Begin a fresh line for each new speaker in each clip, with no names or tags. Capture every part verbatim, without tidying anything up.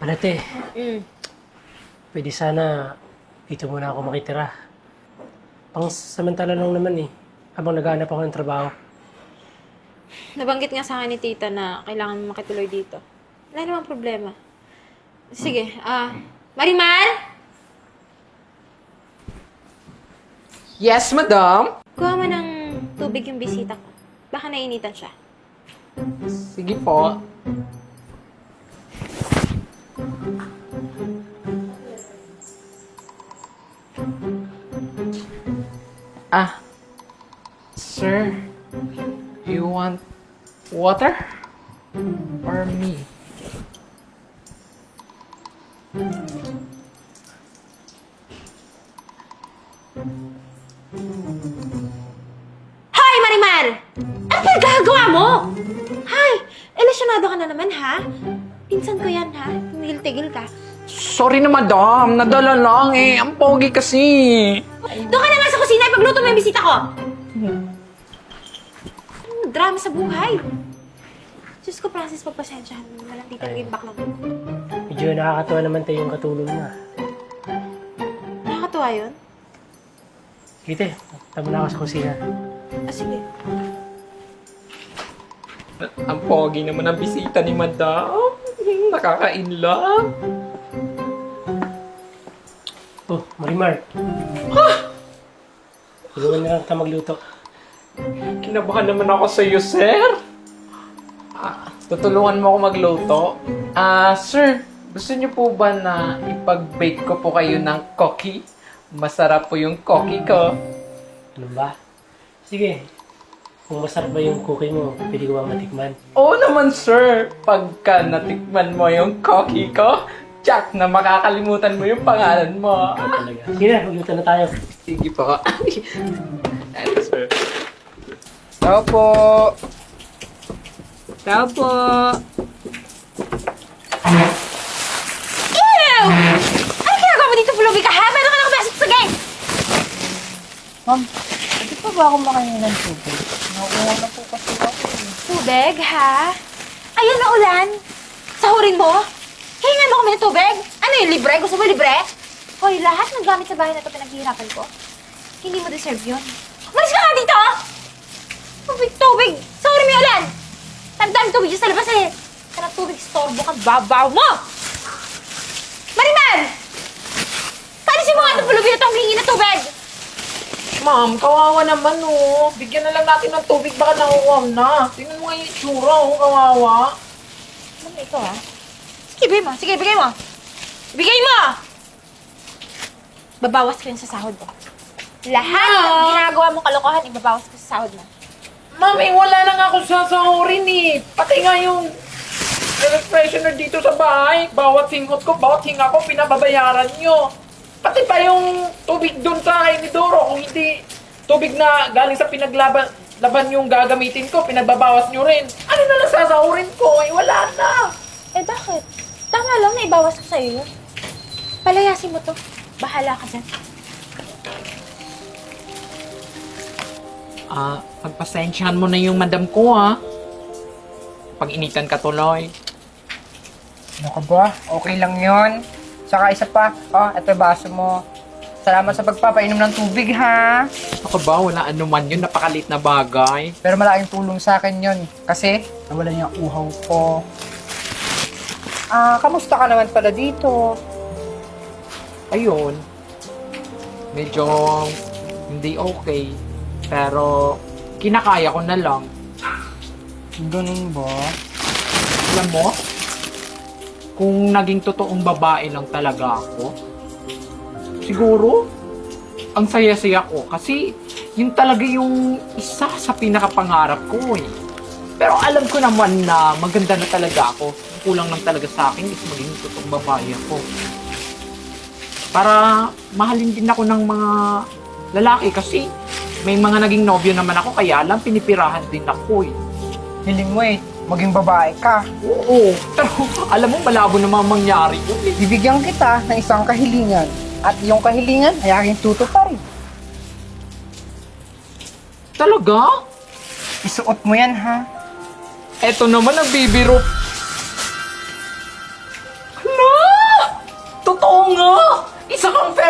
Malate,
Mm.
pwede sana dito muna ako makitira. Pang samantala lang naman eh, habang naghahanap ako ng trabaho.
Nabanggit nga sa akin ni tita na kailangan mo makituloy dito. Wala namang problema. Sige, ah... Marimar!
Yes, madam.
Kuha mo ng tubig yung bisita ko. Baka nainitan siya.
Sige po. Ah, sir, you want water or me?
Hoy, Marimar! Ano pa gagawa mo? Hay! Elasyonado ka na naman, ha? Pinsan ko yan, ha? Tigil-tigil ka.
Sorry na, madam. Nadala lang eh. Ang pogi kasi.
Doon ka na nga sa kusina, ipagluto mo yung bisita ko! Hmm, drama sa buhay. Diyos ko, Francis, pagpasensyahan mo. Walang tita naging baklang.
Medyo nakakatuwa naman tayo yung katulong mo. ah.
Nakakatuwa yun?
Kite, tama na ako sa kusina.
Ah, sige.
Ang pogi naman ang bisita ni madam. Nakaka-inlove.
Oh, Marimar. Tulungan na lang kita magluto.
Kinabahan naman ako sa iyo, sir. Ah, tutulungan mo ako magluto. Ah, sir, gusto niyo po ba na ipag-bake ko po kayo ng cookie? Masarap po yung cookie ko.
Ano ba? Sige. Kung masarap ba yung cookie mo, pwede ko ba matikman?
Oo naman, sir. Pagka natikman mo yung cookie ko, Jack, na makakalimutan mo yung pangalan mo.
Ikaw talaga. Sige na, magluto na tayo.
Sige po. Ano, sir?
Tao po.
Tao po.
Ew! Ano ginagawa mo dito, Pulubi ka, ha? Meron ka na kumasok sa gate!
Ma'am, pwede pa ba akong makainin ng tubig? Nauuwan na po kasi ako eh.
Tubig, ha? Ayan na ulan. Sahurin mo? Hihingan mo kami ng tubig? Ano yung libre? Gusto mo libre? Hoy, lahat ng gamit sa bahay na ito pinaghihirapan ko. Hindi mo deserve yun. Umalis ka nga dito! Tubig, tubig! Sahurin mo yung ulan! Tandaan tubig dyan sa labas eh. Kana tubig, storbo ka, babaw mo! Mariman! Palisin mo nga itong pulubi na itong hingi na tubig!
Ma'am, kawawa naman oh. Bigyan na lang natin ng tubig, baka nauuwam na. Tingnan mo nga yung itsura oh, kawawa.
Ano ito, ha? Sige, bigay mo. Sige, bigay mo. Bigay mo! Babawas ko yun sa sahod mo. Lahat ng ginagawa mo kalokohan, ibabawas ko sa sahod mo.
Ma'am, eh, wala na nga ako sasahurin eh. Pati nga yung air freshener dito sa bahay. Bawat singot ko, bawat hinga ko, pinababayaran nyo. Pati pa yung tubig doon sa inidoro. Kung hindi tubig na galing sa pinaglaban laban yung gagamitin ko, pinagbabawas nyo rin. Ano na lang sasahurin ko? Eh, wala na.
Eh, bakit? Tama lang na ibawas ko sa'yo yun. Palayasin mo to. Bahala ka dyan.
Ah, pagpasensyahan mo na yung madam ko ha. Pag-initan ka tuloy.
Ano ka ba? Okay lang yon. Saka isa pa, oh, ito baso mo. Salamat sa pagpapainom ng tubig, ha?
Ako ba, wala anuman yun, napakalit na bagay.
Pero malaking tulong sa akin yon. Kasi, nawala niya ang uhaw ko. Ah, kamusta ka naman pala dito?
Ayun, medyo hindi okay. Pero, kinakaya ko na lang.
Ganun ba?
Alam mo, kung naging totoong babae lang talaga ako, siguro, ang saya-saya ko. Kasi, yun talaga yung isa sa pinakapangarap ko eh. Pero alam ko naman na maganda na talaga ako. Ang kulang lang talaga sa akin is maging totoong babae ako. Para mahalin din ako ng mga lalaki kasi may mga naging nobyo naman ako kaya lang pinipirahan din ako eh.
Hiling mo eh, maging babae ka.
Oo, pero alam mo malabo naman mangyari yun eh.
Bibigyan kita ng isang kahilingan. At yung kahilingan ay aking tutuparin.
Talaga?
Isuot mo yan, ha?
Eto naman ang bibiro. Hala!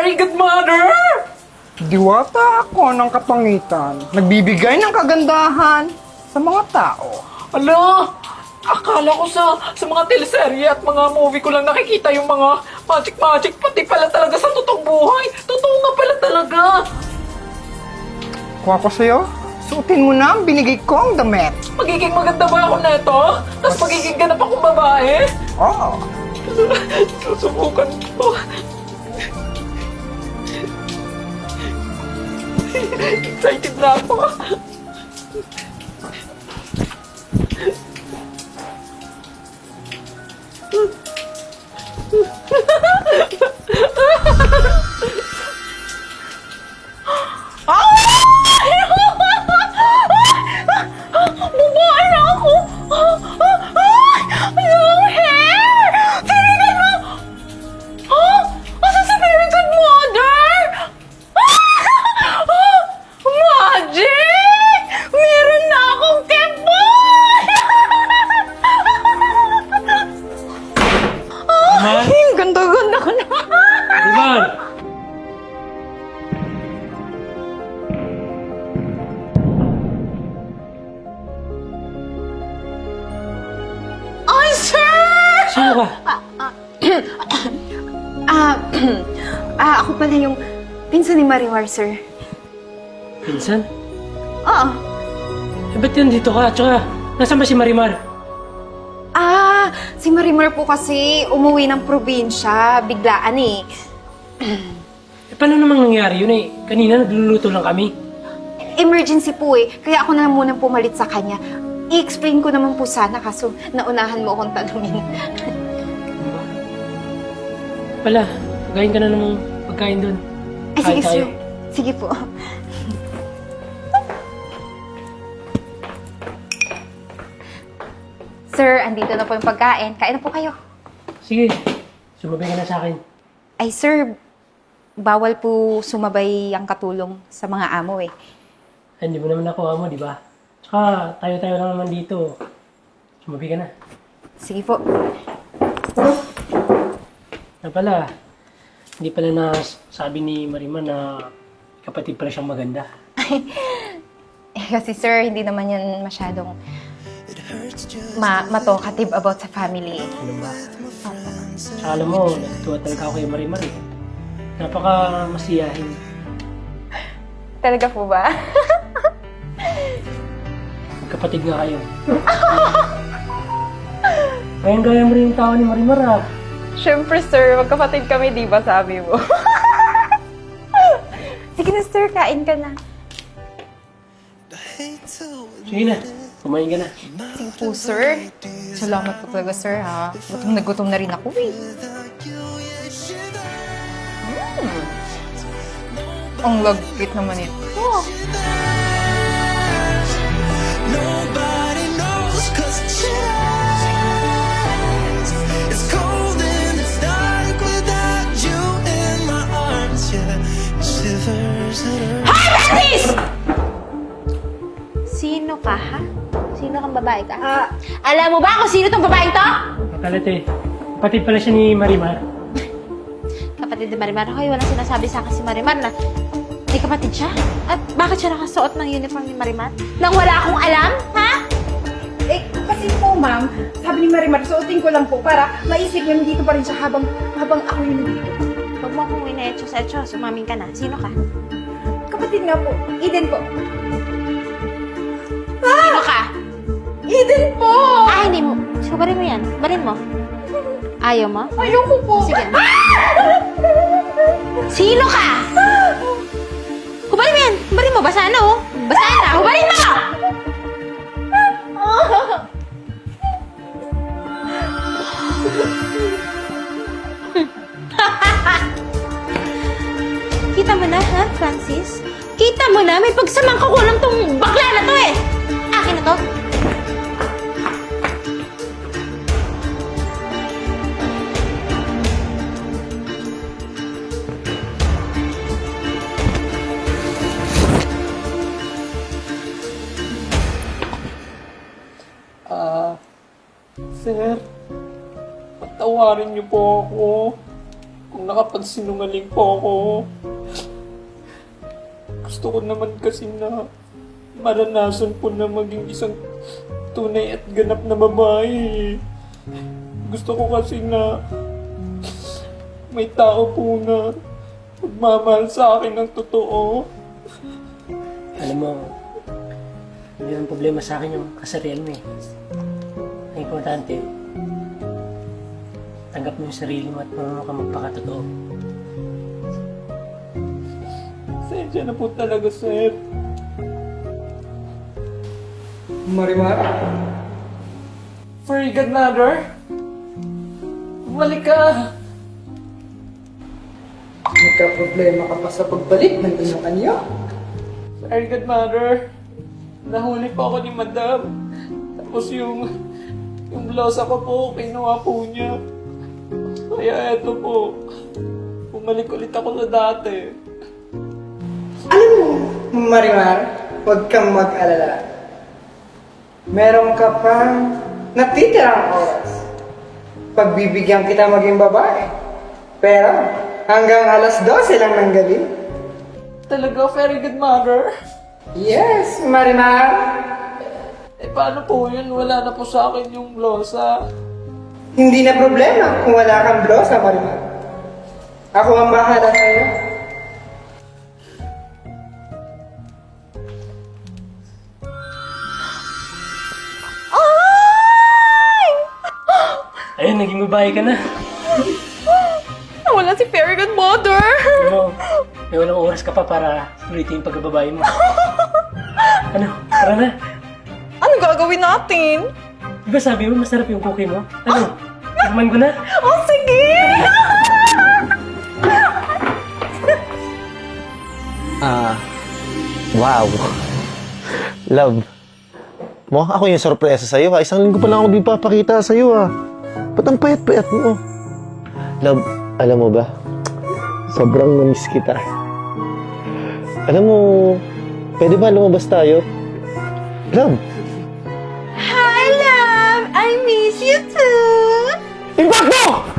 very good mother!
Diwata ako ng kapangitan. Nagbibigay ng kagandahan sa mga tao.
Ala, akala ko sa sa mga teleserye at mga movie ko lang nakikita yung mga magic-magic. Pati pala talaga sa totoong buhay. Totoo nga pala talaga.
Kuha ko sa'yo, suotin mo na ang binigay kong damit.
Magiging maganda ba ako neto? Tapos magiging ganap akong babae?
Oo.
Susubukan ko. Excited na ako.
Bubuan na ako! Long hair! Tinigan mo! Oh! Asa si very good mother? Magic! Meron na akong kebon!
Marimar?
Ay, ang ganda-ganda ko na!
Marimar!
Ay, sir!
Sino ka?
Ah, ah, ako pala yung pinsan ni Marimar, sir.
Pinsan?
Oo.
Eh, ba't yan dito ka? Tsaka, nasaan ba si Marimar?
Ah, si Marimar po kasi umuwi ng probinsya, biglaan eh.
Eh, paano namang nangyari yun eh? Kanina nagluluto lang kami.
Emergency po eh, kaya ako na lang munang pumalit sa kanya. I-explain ko naman po sana kaso naunahan mo akong tanungin.
Pala, pagkain ka na namang pagkain doon.
Ay, sige,
Kain tayo.
sir. Sige po. Sir, andito na po yung pagkain. Kain na po kayo.
Sige, sumabay ka na sa akin.
Ay, sir, bawal po sumabay ang katulong sa mga amo eh.
Ay, hindi mo naman ako amo, di ba? Tsaka, tayo-tayo lang naman dito. Sumabay ka na.
Sige po.
Na pala, hindi pala na sabi ni Marimar na kapatid pala siyang maganda.
Eh, kasi sir, hindi naman yan masyadong ma ma-talkative about sa family.
Ano ba? Tsaka alam mo, natutuwa talaga ako kay Marimar eh. Napaka masiyahin.
Talaga po ba?
Kapatid nga kayo. Ngayon gaya mo rin yung tao ni Marimar ah.
Siyempre sir, magkapatid kami, di ba sabi mo? Sige na sir, kain ka na.
Sige na, kumain ka na.
Sige po sir. Salamat po talaga sir ha. Gutom na gutom na rin ako eh. Mm. Ang lagkit naman ito.
Nobody knows 'cause it shines. It's cold and it's dark without you in my arms. Yeah, it shivers and
Hi, Bernice!
Sino ka ha? Sino kang babae ka?
Ah, alam mo ba kung sino tong babaeng to?
Kalat eh, kapatid pala siya ni Marimar.
Kapatid ni Marimar. Hoy, walang sinasabi sa akin si Marimar na may kapatid siya? At bakit siya nakasuot ng uniform ni Marimar? Nang wala akong alam, ha?
Eh, kasi po, ma'am, sabi ni Marimar, suotin ko lang po para maisip niya nandito pa rin siya habang, habang ako yung nandito.
Huwag mo akong ina-etchos-etchos. Umamin ka na. Sino ka?
Kapatid nga po, Eden po.
Sino ka?
Eden po!
Ah, hindi mo. Subarin mo yan. Barin mo. Ayaw mo?
Ayoko po.
Sige. Sino ka? Hubarin mo yan. Hubarin mo. Basa na, oh. Basa na. Hubarin mo! Kita mo na, ha, Francis? Kita mo na, may pagsamang kakulang tong bakla na to eh! Akin na to.
Ah, sir, patawarin niyo po ako. kung nakapagsinungaling po ako. Gusto ko naman kasi na maranasan po na maging isang tunay at ganap na babae. Gusto ko kasi na may tao po na magmamahal sa akin ng totoo.
Alam mo, hindi ang problema sa akin yung kasarian mo eh. Ang importante, tanggap mo yung sarili mo at marunong ka magpakatotoo.
Sensya na po talaga, sir.
Marimar?
Fairy godmother? Bumalik ka!
Nagka-problema ka pa sa pagbalik ng inyong anyo?
Fairy godmother, nahuli po ako ni madam. Tapos yung, yung blosa ko po, kinuha po niya. Kaya eto po, bumalik ulit ako sa dati.
Alam mo, Marimar, huwag kang mag-alala. Meron ka pang natitirang oras. Pagbibigyan kita maging babae. Pero hanggang alas dose lang ng gabi.
Talaga, fairy godmother?
Yes, Marimar.
Eh paano po yun? Wala na po sa akin yung blosa.
Hindi na problema kung wala kang blosa, Marimar. Ako ang bahala sa'yo.
Ayun, naging babae ka na.
Nawala si Fairy Godmother!
Alam mo, may walang oras ka pa para ulitin yung pagbababae mo. Ano, tara na.
Ano gagawin natin?
Di ba sabi mo masarap yung cookie mo? Ano, tikman ko na.
Oh, sige!
Ah, wow. Love, mo ako yung sorpresa sa'yo ha. Isang linggo pa lang ako di papakita sa'yo ha. Ba't ang payat-payat mo? Love, alam mo ba? Sobrang namiss kita. Alam mo, pwede ba lumabas tayo? Love!
Hi, love! I miss you too!
Impacto!